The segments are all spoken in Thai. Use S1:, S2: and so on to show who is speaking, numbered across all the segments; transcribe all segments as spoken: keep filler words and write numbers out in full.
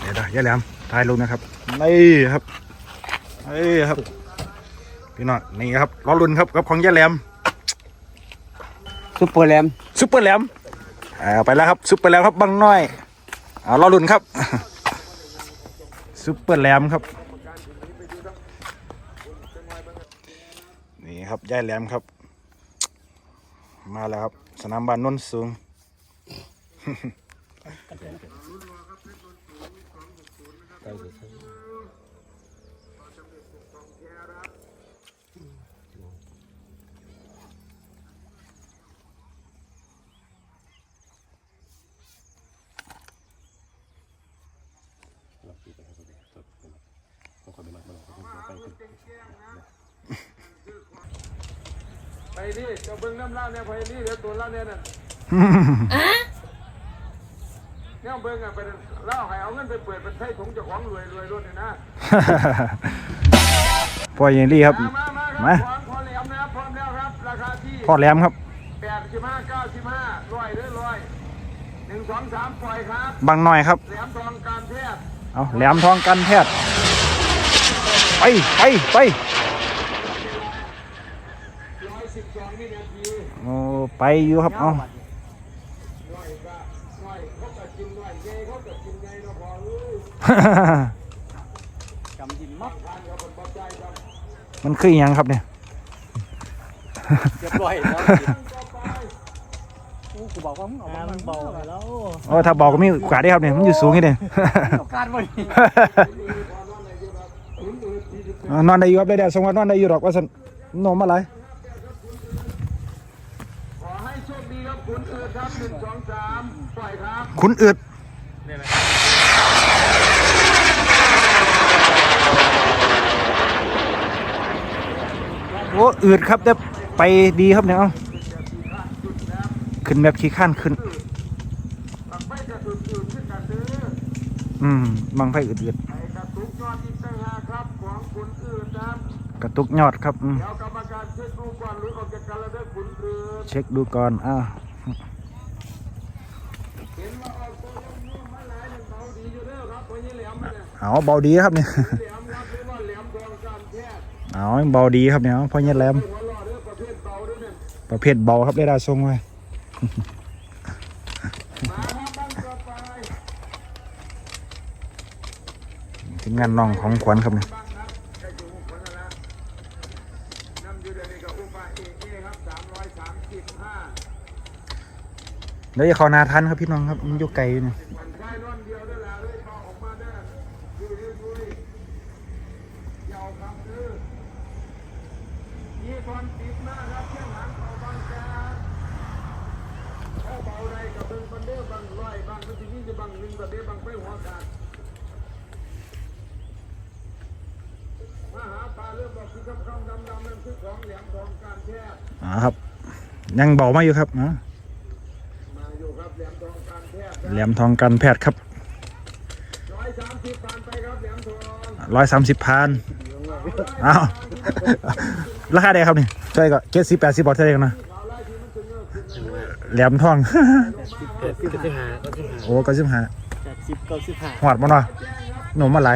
S1: เดี๋ยวนะย่าแหลมถ่ายลงนะครับนี่ครับนี่ครับพี่น้องนี่ครับล้อรุ่นครับกับของย่าแหลม
S2: ซุปเปอร์แรม
S1: ซุปเปอร์แหลมเอาไปแล้วครับซุปเปอร์แหลมครับบังน้อยเอาล้อรุ่นครับซุปเปอร์แหลมครับนี่ครับย่าแหลมครับมาแล้วครับสนามบ้านนนท์สูง
S3: ไปนี่จะเบิ้งน้ำเล่าเนี่ยไปนี่เดี๋ยวตัวเล่าเนี่ยน่ะเนี่ยเบิ้งอ่ะไปเล่าให้เอาเงินไปเปิดเป็นไส้ถุงเจ้าของรวยรวยรุ่นเนี่ยนะ
S1: พ่อเยนลี่ครับมา
S3: พอแหลมนะครับพร้อมแล้วครับราคาที่
S1: พ่อแหลมครับ
S3: แปดสิบห้าเก้าสิบห้าร้อยหรือร้อยหนึ่งสองสามปล่อยครับ
S1: บางหน่อยครับ
S3: แหลมทองการแพทย์
S1: เอาแหลมทองกันแพทย์ไปไปไปโอ้ไปอยู่ครับเอามันคือยังครับเนี่ย
S2: เรียบร้อยแล้วกูบอกว่ามึงออกมามันเบาแล้ว
S1: โอ้ถ้าบอกก็มีโอกาสได้ครับเนี่ยมันอยู่สูงนี่เนี่ย
S2: การบ่
S1: นอนได้อยู่ครับได้แดดสงวันนอนได้อยู่หรอกว่าสันนมอะไร
S3: ขอให้โชคดีครับคุณอืดครับหนึ่งสองสามปล่อยครับ
S1: คุณอืดโอ้อืดครับแต่ไปดีครับเนี่ยเอาขึ้นแบบขี้ข้านขึ้นอืมบังไฟอืดๆกระตุกยอดครับเดี๋ยวกรรมการเช็คดูก่อนหรือออกจากกันแล้วได้ขุนอืดเช็คดูก่อนอ่าเอาเบาดีครับเนี่ยเอาเบาดีครับเนี่ยพ่อเนี่ยแหลมประเภทเบาครับได้ดาทรงไว้ทีมงานน้องของขวัญครับเนี่ยเดี๋ยวจะเข้านาทันครับพี่น้องครับมันอยู่ไกลอยู่เนี่ยอ๋อครับยังเบามาอยู่ครับนะแหลมทองการแพทย์ครับร้อยสามสิบพันอ้าวราคาเดียวครับนี่ใช่ก็เจ็ดสิบแปดสิบบาทใช่ไหมนะแหลมทองโอ้ก็สิบห้าหอดมาหน่อยหนุ่มมาไหล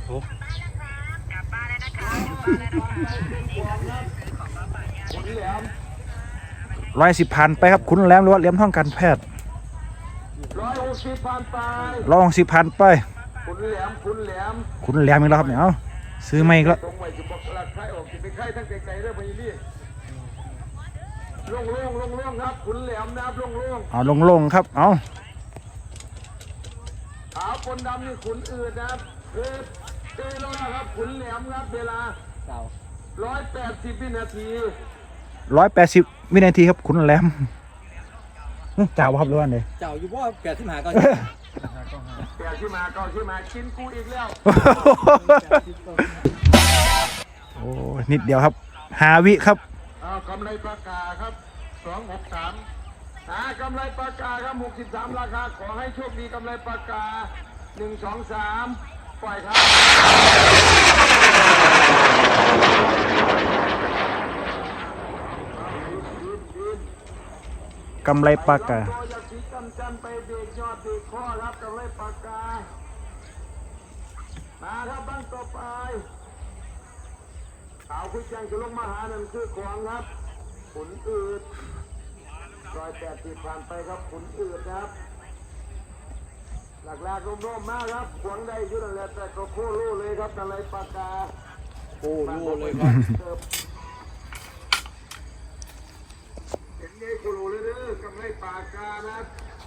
S1: ร้อยสิบพันไปครับคุณแหลมหรือว่าแหลมทองการแพทย์
S3: ร้อยหกสิบพันไป
S1: ร้อยหกสิบพันไป
S3: คุณแหลมคุณแหลม
S1: คุณแหลมอีกแล้วครับเนี่ยเอาซื้อไม่อีกแล้ว
S3: ตรงไว้จะบอกหลักใครออกจะไปใครทั้งไกลๆเรื่องพยี่ลงลงลงลงครับคุณแหลมนะครับลงลง
S1: เอาลงลงครับเอา
S3: ขาวคนดำนี่ขุนอืดนะครับเออเออแล้วครับขุนแหลมครับเวลาร้อยแปดสิบวินาที
S1: ร้อยแปดสิบวินาทีครับคุณแหลมเจ้าครับรู้ว่าเลย
S2: เจ้าอยู่ว่าแปดที่หาก็
S3: แปดที่มาก็ที่มากินกูอีกแล้ว
S1: โอ้นิดเดียวครับหาวิครับ
S3: เอากำไรปากกาครับสองหกสามหากำไรปากกาครับหกสิบสามราคาขอให้โชคดีกำไรปากกาหนึ่งสองสามปล่อยครับ
S1: กำไรปากกา
S3: ครับบ้านต่อไปขาวคุยจังจะลงมาหานั่นคือขวางครับขุนอืดร้อยแปดสิบผ่านไปครับขุนอืดครับหลักแรกร่มๆมากครับขวางได้ยุ่งแล้วแต่ก็โคโล่เลยครับอะไรปากกา
S2: โอ้โหเลยครับ
S3: เห็นไงโคโล่เลยเด้อกำไรปากกานะ